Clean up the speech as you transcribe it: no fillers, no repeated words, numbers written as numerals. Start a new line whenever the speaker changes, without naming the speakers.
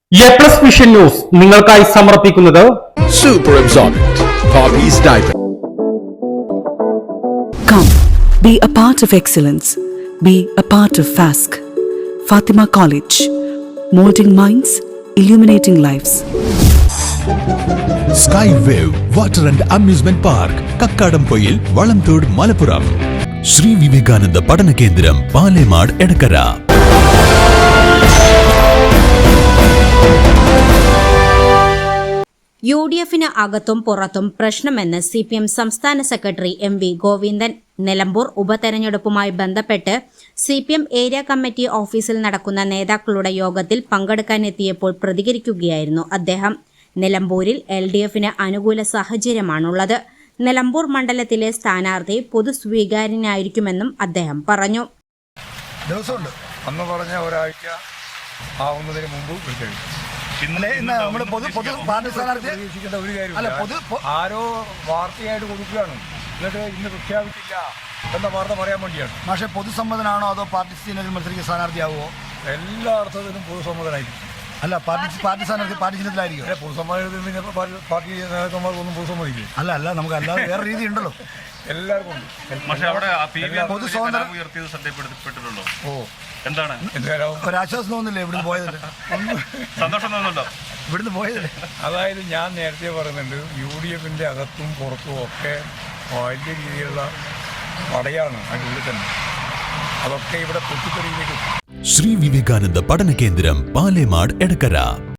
A+ vision news നിങ്ങൾക്കായി സമർപ്പിക്കുന്നത്
Super Absorbent Poppy's Diaper.
Come, be a part of excellence. Be a part of FASC. Fatima College. Molding minds, illuminating lives.
Skywave Water and Amusement Park, Kakkadampoyil, Valamthood, Malappuram. Sri Vivekananda Padana Kendram, Palemad, Edakara.
യുഡിഎഫിന് അകത്തും പുറത്തും പ്രശ്നമെന്ന് CPM സംസ്ഥാന secretary M V. Govindan. Nilambur ഉപതെരഞ്ഞെടുപ്പുമായി ബന്ധപ്പെട്ട് CPM area committee ഓഫീസിൽ നടക്കുന്ന നേതാക്കളുടെ യോഗത്തിൽ പങ്കെടുക്കാനെത്തിയപ്പോൾ പ്രതികരിക്കുകയായിരുന്നു അദ്ദേഹം. നിലമ്പൂരിൽ LDFന് അനുകൂല സാഹചര്യമാണുള്ളത്. നിലമ്പൂർ മണ്ഡലത്തിലെ സ്ഥാനാർത്ഥി പൊതുസ്വീകാര്യനായിരിക്കുമെന്നും അദ്ദേഹം പറഞ്ഞു.
ദിവസമുണ്ട് അന്ന് പറഞ്ഞ ഒരാഴ്ച ആവുന്നതിന് മുമ്പ് വിളിച്ചു. ഇന്ന് നമ്മൾ പൊതു പാർട്ടി സ്ഥാനാർത്ഥി പ്രതീക്ഷിക്കേണ്ട ഒരു കാര്യമില്ല. ആരോ വാർത്തയായിട്ട് കൊടുക്കുകയാണ്, എന്നിട്ട് ഇന്ന് പ്രഖ്യാപിച്ചില്ല എന്ന വാർത്ത പറയാൻ വേണ്ടിയാണ്. പക്ഷേ പൊതുസമ്മതനാണോ അതോ പാർട്ടി ചിഹ്നത്തിൽ മത്സരിക്കുന്ന സ്ഥാനാർത്ഥിയാവുമോ? എല്ലാ അർത്ഥത്തിലും പൊതുസമ്മതനായിരിക്കും. അല്ല, പാർട്ടി സ്ഥാനാർത്ഥി പാർട്ടി ചിഹ്നത്തിലായിരിക്കും. അല്ലെ, പൊതുസമ്മതത്തിൽ പാർട്ടി നേതാക്കന്മാർക്കൊന്നും പൊതുസമ്മതിക്കും. അല്ല നമുക്ക് അല്ലാതെ വേറെ രീതി ഉണ്ടല്ലോ, എല്ലാവർക്കും ഉണ്ട്. എന്താണ് ഒരാശ്വാസം തോന്നുന്നില്ലേ ഇവിടുന്ന് പോയതല്ലേ? സന്തോഷം തോന്നുന്നുണ്ടോ ഇവിടുന്ന് പോയതല്ലേ? അതായത് ഞാൻ നേരത്തെ പറയുന്നുണ്ട്, UDFന്റെ അകത്തും പുറത്തും ഒക്കെ വലിയ രീതിയിലുള്ള പടയാണ് അതിൻ്റെ ഉള്ളിൽ തന്നെ. അതൊക്കെ ഇവിടെ പൊട്ടിത്തെറിയിലേക്ക്.
Sri Vivekananda Padana Kendram, Palemad, Edakara.